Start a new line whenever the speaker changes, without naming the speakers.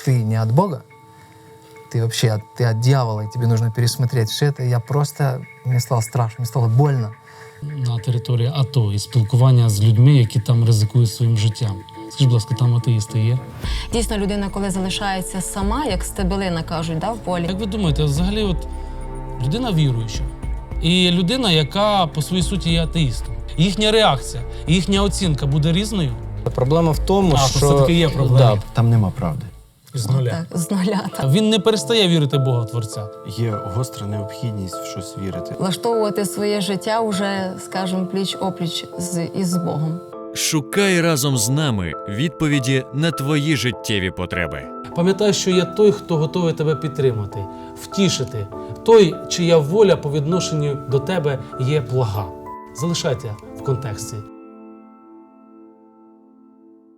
ты не от Бога, ты вообще ты от дьявола, и тебе нужно пересмотреть все это, мне стало страшно, мне стало больно.
На території АТО і спілкування з людьми, які там ризикують своїм життям. Скажіть, будь ласка, там атеїсти є?
Дійсно, людина, коли залишається сама, як стебелина, кажуть, в полі.
Як ви думаєте, взагалі людина віруюча і людина, яка по своїй суті є атеїстом, їхня реакція, їхня оцінка буде різною?
Проблема в тому,
То
що
все-таки є проблема.
Да, там нема правди.
З нуля.
Так, з нуля. Так.
Він не перестає вірити в Бога Творця.
Є гостра необхідність в щось вірити.
Влаштовувати своє життя вже, скажімо, пліч-опліч із Богом.
Шукай разом з нами відповіді на твої життєві потреби.
Пам'ятай, що є той, хто готовий тебе підтримати, втішити. Той, чия воля по відношенню до тебе є блага. Залишайте в контексті.